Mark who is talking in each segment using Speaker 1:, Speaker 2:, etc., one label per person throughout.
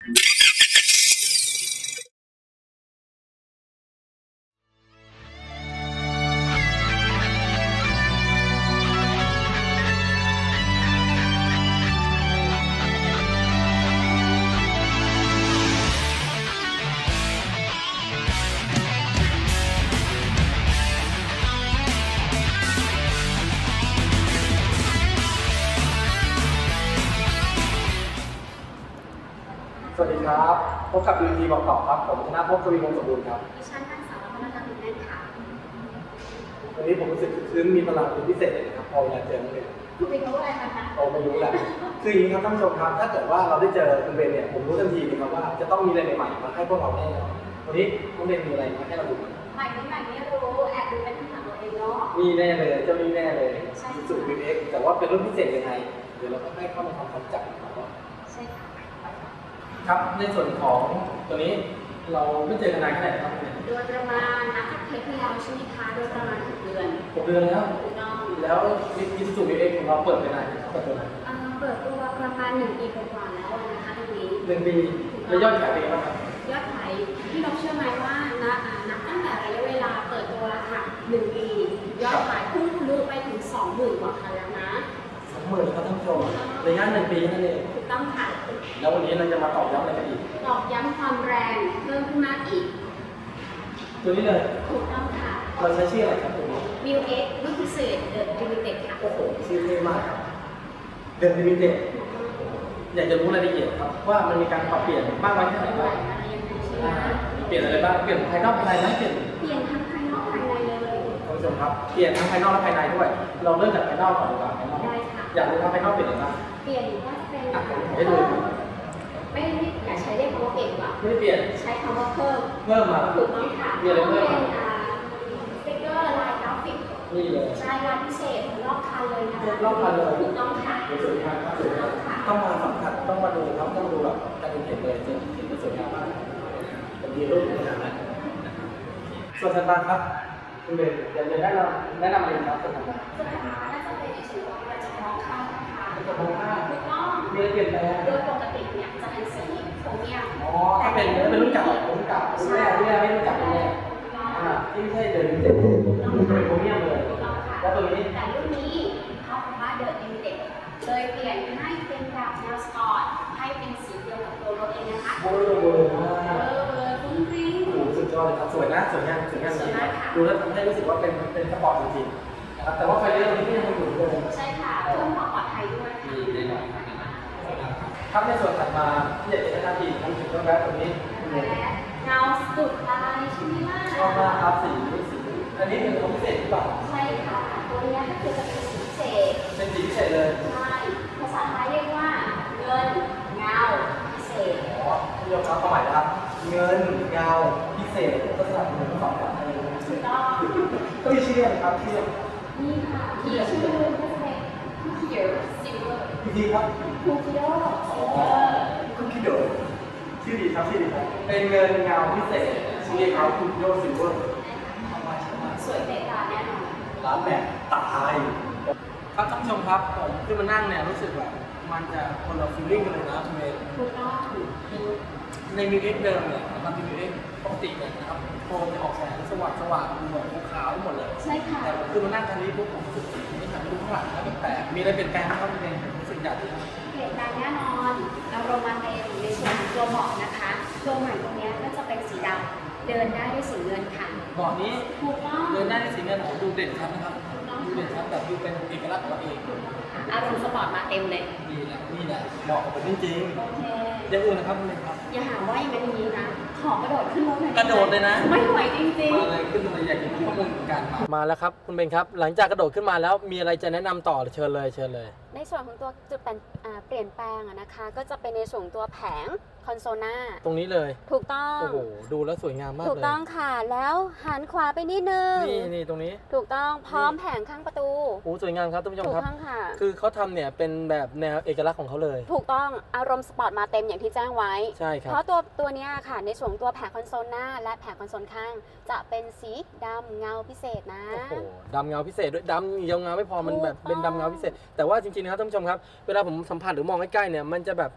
Speaker 1: สวัสดีครับพบกับดูทีบอกต่อครับผมธนภพ กวีวงศ์สมบูรณ์ครับ
Speaker 2: ดิฉันนางสาวรัตนบุญแน่นค่ะ
Speaker 1: วันนี้ผมรู้สึกซึ้งมีพลังเป็นพิเศษเลยนะครับพอเวลาเจอคุณเบน
Speaker 2: คุณเป็นรู้อะไรคะ
Speaker 1: เราไม่รู้แหละคืออย่างนี้ครับท่านผู้ชมครับถ้าเกิดว่าเราได้เจอคุณเบนเนี่ยผมรู้ทันทีเลยครับว่าจะต้องมีอะไรใหม่ๆมาให้พวกเราแน่นอนวันนี้คุณเบนมีอะไรมาให้เราดู
Speaker 2: ใหม่ไม่รู้แอบดูเป็นคำถามตัวเองเนาะ
Speaker 1: มีแน่เลยเจ้านี้แน่เลยสูตร VX แต่ว่าเป็นรุ่นพิเศษยังไงเดี๋ยวเราก็ให้เข้ามาทำความรู้จักกันก่อน
Speaker 2: ใช่ค่ะ
Speaker 1: ครับในส่วนของตัวนี้เราไม่เจอกันนานแค่ไหนครับ
Speaker 2: โดยประมาณนับจากเทปที่แล้วใช่ไหมคะโดยประมาณ6 เดือน
Speaker 1: 6 เดือนแล้ว
Speaker 2: ถูกต้อง
Speaker 1: แล้วอิสูตร VX ของเราเปิดไปนานเปิดตัวไหน
Speaker 2: เปิดตัวประมาณ1 ปีกว่าแล้วนะคะตรงนี้
Speaker 1: 1 ปีแล้วยอดขายเป็นไงบ้างครับ
Speaker 2: ยอดขายที่เราเชื่อไหมว่านับตั้งแต่ระยะเวลาเปิดตัวค่ะ1 ปียอดขายพุ่งทะลุไปถึง 20,000 กว่าคันแล้วนะ
Speaker 1: 20,000ครับท่านผู้ชมระยะ1 ปีนั่นเอง
Speaker 2: ถูกต้องค่ะ
Speaker 1: แล้ววันนี้เราจะมาตอบย้ำอะไรกันอีก
Speaker 2: ตอกย้ำความแรงเพิ่มขึ้นมากอีก
Speaker 1: ตัวนี้เลย
Speaker 2: ถูกต้องค่ะ
Speaker 1: เราใช้ชื่ออะไรครับตัวนี้
Speaker 2: New X รุ่นพิเศษ The Limited ค่ะ
Speaker 1: โอ้โหชื่อเท่มากครับเดินลิมิเต็ดอยากจะรู้รายละเอียดครับว่ามันมีการปรับเปลี่ยนมากน้อยแค่ไหนบ้างเปลี่ยนอะไรบ้างเปลี่ยนภายนอกภายในไหมเปลี่ยน
Speaker 2: เปลี่ยนทั้งภายนอกภายในเลย
Speaker 1: ท่านผู้ชมครับเปลี่ยนทั้งภายนอกและภายในด้วยเราเริ่มจากภายนอกก่อนดีกว่าภายนอก
Speaker 2: ได้ค่ะ
Speaker 1: อยากรู้ว่าภายนอกเปลี่ยนอะไรบ้าง
Speaker 2: เปลี่ยนว่าจะเป็น
Speaker 1: ผมให้ดู
Speaker 2: ไม่อยากใช้เรียกคำว่าเปลี่ยนดีกว่า
Speaker 1: ไม่ได้เปลี่ยน
Speaker 2: ใช้คำว่าเพิ่ม
Speaker 1: เพิ่มมา
Speaker 2: ถูกต้องค่ะ
Speaker 1: มีอะไร
Speaker 2: ต้อง
Speaker 1: เพิ่ม
Speaker 2: เป็น
Speaker 1: มา
Speaker 2: สติ๊กเกอร์ลายกราฟิก
Speaker 1: นี่เลย
Speaker 2: ใช่ลายพิเศษรอบคันเลยนะคะ
Speaker 1: รอบคันเลย
Speaker 2: ถูกต้องค่ะ
Speaker 1: สวยงามครับสวยงามต้องมาสัมผัสต้องมาดูครับต้องดูแบบการเห็นเลยจะเห็นมันสวยงามมากเป็นดีรูปขนาดนั้นส่วนถัดมาครับคุณเบนอยากจะแนะนำอะไรครับส่วนถัดมา
Speaker 2: สุดท้ายน่าจะเป็นในส่วนของการเฉพาะข้างนะคะ
Speaker 1: เป็นกระโปรงผ้า
Speaker 2: ถูกต้อง
Speaker 1: มีอะไรเปลี่ยนแปลง
Speaker 2: โดยปกติเนี่ยจะเป็นสีโครเมียม
Speaker 1: อ๋อถ้าเป็นรุ่นเก่ารุ่นเก่ารุ่นแรกไม่รู้จักรุ่นแรกที่ไม่ใช่เดินเต็มมันเป็นโครเมียมเลย
Speaker 2: ถูกต้องค่ะ
Speaker 1: แล้วตัวนี้
Speaker 2: แต่รุ่นนี้เขาบอกว่าเดินลิมิเต็ดเลยเปลี่ยนให้เป็นแบบแนวสปอร์ตให้เป็นสีเดียวกับตัวรถเองนะคะ
Speaker 1: โบว์มาก
Speaker 2: ฟุ้งฟริ้ง
Speaker 1: โอ้โหสุดยอดเลยครับสวยนะสวยงามสวยงามจริงดูแล้วทำให้รู้สึกว่าเป็นสปอร์ตจริงๆนะครับแต่ว่าไฟเลี้ยวนี้ก็ยังคงอยู่เหมือนเดิม
Speaker 2: ใช่ค่ะเพิ่มความปลอดภัยด้วย
Speaker 1: มีแน่นอนครับในส่วนถัดมาที่อยากจะแนะนำอีกนั่นคือเครื่องแบ็คตัวนี้
Speaker 2: และเงาสุดลายใช่ไหมล่ะ
Speaker 1: ชอบมากครับสีอันนี้เป็นของพิเศษหรือเปล่า
Speaker 2: ใช่ค่ะตัวนี้ก็คือจะเป็นสีพิเศษ
Speaker 1: เป็นสีพิเศษเลย
Speaker 2: ใช่ภาษาไทยเรียกว่าเงินเงาพิเศษ
Speaker 1: อ๋อที่ยกครับความหมายนะครับเงินเงาพิเศษก็สลับเหมือนทั้งสองแบบเลย
Speaker 2: ถูกต้อง
Speaker 1: ก็มีชื่ออะไรครับชื่อ
Speaker 2: นี่ค่ะที่ชื่อก็จะเป็นคูคิโดซิลเวอร์
Speaker 1: พี่ทีครับ
Speaker 2: คูคิโดซิลเวอร์
Speaker 1: คุณคิดโดชื่อดีครับชื่อดีครับเป็นเงินเงาพิเศษชื่อเรียกเขาคุณโยซิลเวอร์
Speaker 2: สวยเตะตาแน่นอน
Speaker 1: ร้านแบบตายครับท่านผู้ชมครับผมขึ้นมานั่งเนี่ยรู้สึกแบบมันจะคนละฟีลลิ่งกันเลยนะคุณเมย์
Speaker 2: ถูกต้อง
Speaker 1: ในมิวเอ็กเดิมเนี่ยนะครับมิวเอ็กปกติเนี่ยนะครับโคมจะออกแสงสว่างดูแบบขาวๆหมดเลย
Speaker 2: ใช่ค่ะ
Speaker 1: แต่ผมขึ้นมานั่งคันนี้ปุ๊บผมรู้สึกไม่หันไปดูข้างหลังแล้วแปลกๆมีอะไรเปลี่ยนแปลงไหมครับคุณเมย์รู้สึกอยากจะ
Speaker 2: เปลี่ยนแปลงแน่นอนอารมณ์มาเต็มในส่วนของตัวเบาะนะคะตัวใหม่ตรงนี้ก็จะเป็นสีดำเดินได้ด้วยสีเงินค่ะ
Speaker 1: เบาะนี้
Speaker 2: ถูกต้อง
Speaker 1: เดินได้ในสีเงินของดูเด่นชัดนะครับดูเด่นชัดแบบดูเป็นเอกลักษณ์ของเราเอง
Speaker 2: อารมณ์สปอร์ตมาเต็มเลย
Speaker 1: นี่แหละเหมาะกับผมจริง
Speaker 2: โอเค
Speaker 1: ๆอย่างอื่นนะครับคุณเมย์ครับ
Speaker 2: อย่าหาว่าอย่างนี้นะ ขอกระโดดขึ้นรถหน่อย
Speaker 1: กระโดดเลยนะ
Speaker 2: ไม่ไหวจริง
Speaker 1: มาเลยขึ้นมาเลยอยากเห็นข้อมูลการมาแล้วครับคุณเบนครับหลังจากกระโดดขึ้นมาแล้วมีอะไรจะแนะนำต่อเชิญเลย
Speaker 2: ๆในส่วนของตัวจุดเปลี่ยนแปลงนะคะ ก็จะเป็นในส่วนของตัวแผงคอนโซลหน้า
Speaker 1: ตรงนี้เลย
Speaker 2: ถูกต้อง
Speaker 1: โอ้โหดูแล้วสวยงามมากเลย
Speaker 2: ถูกต้องค่ะแล้วหันขวาไปนิดนึง
Speaker 1: นี่ตรงนี้
Speaker 2: ถูกต้องพร้อมแผงข้างประตู
Speaker 1: โอ้สวยงามครับท่านผู้ชม
Speaker 2: ถูก
Speaker 1: ครับ
Speaker 2: ต้องค่ะ
Speaker 1: คือเขาทำเนี่ยเป็นแบบแนวเอกลักษณ์ของเขาเลย
Speaker 2: ถูกต้องอารมณ์สปอร์ตมาเต็มอย่างที่แจ้งไว้
Speaker 1: ใช่ครับ
Speaker 2: เพราะตัวเนี้ยค่ะในส่วนของตัวแผงคอนโซลหน้าและแผงคอนโซลข้าง จะเป็นสีดำเงาพิเศษนะ
Speaker 1: โอ้โหดำเงาพิเศษด้วยดำเงาเงาไม่พอมันแบบ
Speaker 2: ถูกต้อง
Speaker 1: เป็นดำเงาพิเศษ แต่ว่าจริงๆนะครับท่านผู้ชมครับเวลาผมสัมผัสหรือมองใกล้ๆเนี่ยมันจะแบบ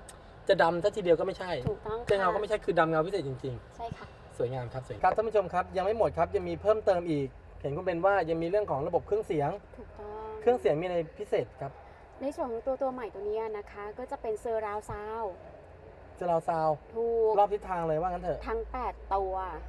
Speaker 1: จะดำซะทีเดียวก็ไม่ใช่
Speaker 2: ถูกต้อง
Speaker 1: จะเงา
Speaker 2: ค่ะ
Speaker 1: ก็ไม่ใช่คือดำเงาพิเศษจริง
Speaker 2: ใช่ค่ะ
Speaker 1: ๆ สวยงามครับสวยครับท่านผู้ชมครับยังไม่หมดครับยังมีเพิ่มเติมอีก เห็นคุณเบนว่ายังมีเรื่องของระบบเครื่องเสียง
Speaker 2: ถูกต้อง
Speaker 1: เครื่องเสียงมีอะไรพิเศษครับ
Speaker 2: ในส่วนของตัวใหม่ตัวเนี้ยนะคะ ก็จะเป็นเซอร์ราวซาว
Speaker 1: จะเราซาว
Speaker 2: ถูก
Speaker 1: รอบทิศทางเลยว่างั้นเถอะ
Speaker 2: ทั้ง 8 ตัว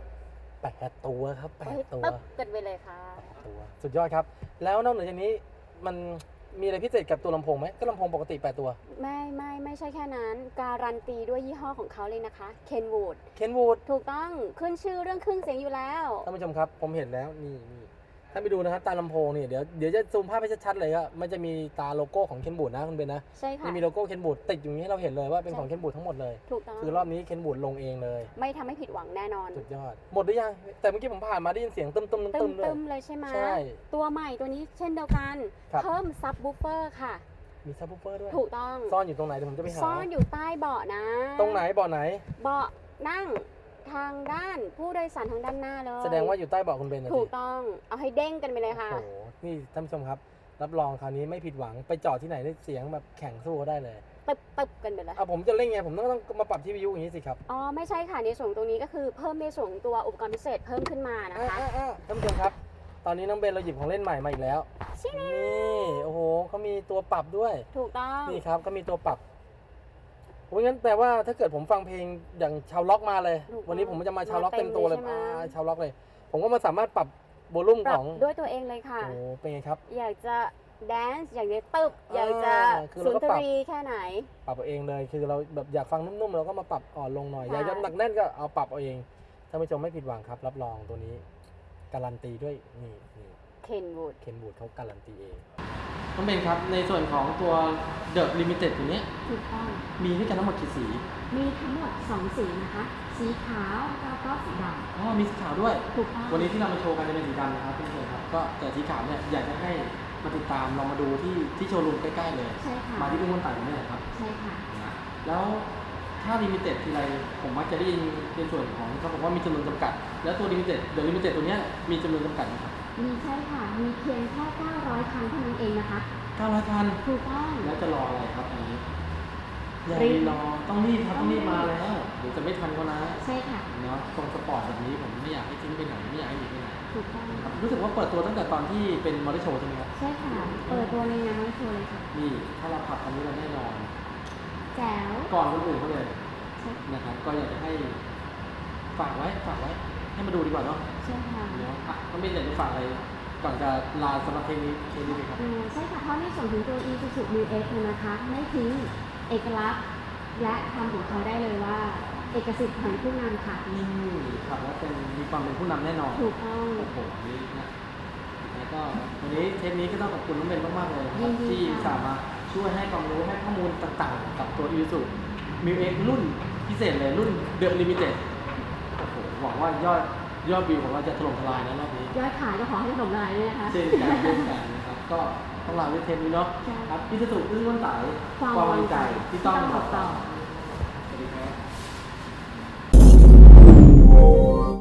Speaker 1: 8 ตัวครับ
Speaker 2: เฮ้ย
Speaker 1: 8 ตัว
Speaker 2: ตึ๊บกันไปเลยค่ะ
Speaker 1: ตัวสุดยอดครับ แล้วนอกเหนือจากนี้มันมีอะไรพิเศษกับตัวลำโพงไหมก็ลำโพงปกติ 8 ตัว
Speaker 2: ไม่ใช่แค่นั้น การันตีด้วยยี่ห้อของเขาเลยนะคะ Kenwood
Speaker 1: เคนวูด
Speaker 2: ถูกต้องขึ้นชื่อเรื่องเครื่องเสียงอยู่แล้ว
Speaker 1: ท่านผู้ชมครับผมเห็นแล้วนี่ท่านไปดูนะครับตาลำโพงนี่เดี๋ยวจะซูมภาพให้ชัดๆเลยก็มันจะมีตาโลโก้ของเคนบูดนะคุณเบนนะ
Speaker 2: ใช่ค่ะ
Speaker 1: มีโลโก้เคนบูดติดอยู่อย่างนี้ให้เราเห็นเลยว่าเป็นของเคนบูดทั้งหมดเลย
Speaker 2: ถูกต้อง
Speaker 1: คือรอบนี้เคนบูดลงเองเลย
Speaker 2: ไม่ทำให้ผิดหวังแน่นอน
Speaker 1: สุดยอดหมดหรือยังแต่เมื่อกี้ผมผ่านมาได้ยินเสียงตึ้มๆ
Speaker 2: ตึ
Speaker 1: ตึ้มๆด้วย
Speaker 2: มๆเลยใช่ไหม
Speaker 1: ใช่
Speaker 2: ตัวใหม่ตัวนี้เช่นเดียวกัน
Speaker 1: ครับ
Speaker 2: เพิ่มซับบูฟเฟอร์ค่ะ
Speaker 1: มีซับวูฟเฟอร์ด้วย
Speaker 2: ถูกต้อง
Speaker 1: ซ่อนอยู่ตรงไหนเดี๋ยวผมจะไปหา
Speaker 2: ซ่อนอยู่ใต้เบาะนะ
Speaker 1: ตรงไหนเบาะไหน
Speaker 2: เบาะนั่งทางด้านผู้โดยสารทางด้านหน้าเลย
Speaker 1: แสดงว่าอยู่ใต้เบาะคุณเบนนะ
Speaker 2: ถู
Speaker 1: สิ
Speaker 2: กต้องเอาให้เด้งกันไปเลยค่ะ
Speaker 1: โอ้โหนี่ท่านผู้ชมครับ รับรองคราวนี้ไม่ผิดหวังไปจอดที่ไหนได้เสียงแบบแข่งสู้เขาได้เลย
Speaker 2: ตึบกันไปเลย
Speaker 1: เอาผมจะเล่นไงผมต้องมาปรับที่วิทยุอย่างนี้สิครับ
Speaker 2: อ๋อไม่ใช่ค่ะในส่วนตรงนี้ก็คือเพิ่มในส่วนของตัวอุปกรณ์พิเศษเพิ่มขึ้นมานะคะ
Speaker 1: ท่านผู้ชมครับ ตอนนี้น้องเบนเราหยิบของเล่นใหม่มาอีกแล้ว
Speaker 2: ชิเน่
Speaker 1: นี่โอ้โหเขามีตัวปรับด้วย
Speaker 2: ถูกต้อง
Speaker 1: นี่ครับก็มีตัวปรับโอ้ยงั้นแต่ว่าถ้าเกิดผมฟังเพลงอย่างชาวล็อกมาเลย วันนี้ผมจะมาชาวล็อกเต็มตัวเลยชาวล็อกเลย ผมก็มาสามารถปรับโวลุ่ม
Speaker 2: ป
Speaker 1: ข
Speaker 2: รับ
Speaker 1: อง
Speaker 2: ด้วยตัวเองเลยค่ะ
Speaker 1: โอ้เป็นไงครับ
Speaker 2: อยากจะแดนซ์อยากจะตึบอยากจะ
Speaker 1: คือ
Speaker 2: สุ
Speaker 1: เรา
Speaker 2: น
Speaker 1: ก็
Speaker 2: ท
Speaker 1: ปรับ
Speaker 2: รีแค่ไหน
Speaker 1: ปรับเอาเองเลยคือเราแบบอยากฟังนุ่มๆเราก็มาปรับอ่อนลงหน่อย
Speaker 2: ค่ะ
Speaker 1: อยากจะหนักแน่นก็เอาปรับเอาเองท่านผู้ชมไม่ผิดหวังครับ รับรองตัวนี้การันตีด้วยนี่
Speaker 2: Kenwood
Speaker 1: เคนบูดเขาการันตีเองน้องเบนครับในส่วนของตัว The Limited ตัวนี้
Speaker 2: ถูกต้อง
Speaker 1: มีด้วยกันทั้งหมดกี่สี
Speaker 2: มีทั้งหมด2สีนะคะ สีขาวแล้วก็สีด
Speaker 1: อ๋อมีสีขาวด้วย
Speaker 2: ำถูกต้อง
Speaker 1: วันนี้ที่เรามาโชว์กันจะเป็นสีดำนะครับท่านผู้ชมครับก็แต่สีขาวเนี่ยอยากจะให้มาติดตามลองมาดูที่โชว์รูมใกล้ๆเลย
Speaker 2: ใช่ค่ะ
Speaker 1: มาที่ทุ่งมนตานี่แหละครับ
Speaker 2: ใช่ค่ะ
Speaker 1: นะแล้วถ้าลิมิเต็ดทีไรผมมักจะได้ยินในส่วนของเขาบอกว่ามีจำนวนจำกัด แล้วตัวลิมิเต็ดเดอะลิมิเต็ดตัวเนี้ยมีจำนวนจำกัดไหมครับ
Speaker 2: มีใช่ค่ะ มีเพียงแค่900 ครั้งเท่านั้นเองนะคะ
Speaker 1: 900 คัน
Speaker 2: ถูกต้อง
Speaker 1: แล้วจะรออะไรครับอันนี้อย่า
Speaker 2: รี
Speaker 1: รี
Speaker 2: บ
Speaker 1: รอต้องรีบครับต้องรีบมาแล้วเดี๋ยวจะไม่ทันเขานะ
Speaker 2: ใช่ค่ะ
Speaker 1: เนาะตรงสปอร์ตแบบนี้ผมไม่อยากให้ทิ้งไปไหนไม่อยากให้หนีไปไหน
Speaker 2: ถูกต้อง
Speaker 1: ครับรู้สึกว่าเปิดตัวตั้งแต่ตอนที่เป็นมอเตอร์โชว์ใช่ไหมครับ
Speaker 2: ใช่ค่ะ เปิดตัวในงานโชว์เลยค่ะ
Speaker 1: นี่ถ้าเราขับคันนี้เราแน่นอน
Speaker 2: แจ๋ว
Speaker 1: ก่อนคนอื่นเขาเลย
Speaker 2: ใช่
Speaker 1: นะครับก็อยากจะให้ฝากไว้ให้มาดูดีกว่าเนาะ
Speaker 2: ใช่ค่ะ
Speaker 1: เนาะอ่ะต้องเป็นอยากจะฝากอะไรก่อนจะลาสำหรับเพลงนี้ไหมครับ
Speaker 2: ใช่ค่ะ เพราะในส่วนของตัว Isuzu New X เนี่ยนะคะ ไม่ทิ้งเอกลักษณ์และคำของเขาได้เลยว่า เอกสิทธิ์ของผู้นำค่ะ
Speaker 1: นี่ขับแล้วเป็นมีความเป็นผู้นำแน่นอน
Speaker 2: ถูกต้อง
Speaker 1: โอ้โหนี่นะแล้วก็วันนี้เทปนี้ก็ต้องขอบคุณน้องเบนมากๆเลยนะครับ
Speaker 2: ยินดี
Speaker 1: ที่
Speaker 2: ค่ะ
Speaker 1: สามารถช่วยให้ความรู้ให้ข้อมูลต่างๆ กับตัว Isuzu Mu X รุ่นพิเศษเลยรุ่น The Limited โอ้โหหวังว่ายอดวิวของเราจะถล่มทลายนะรอบนี้
Speaker 2: ยอดขายก็ขอให้สมรายด้วยนะคะ
Speaker 1: เช่นกันนะครับก็ต้องลาด้วยเทปนี้เนาะ
Speaker 2: ใช่
Speaker 1: ครับพี่สุอึ้งวันไต่
Speaker 2: ความ
Speaker 1: ความมั่นใจที่ต้อง
Speaker 2: บอกต่อ
Speaker 1: สวัสดีครับ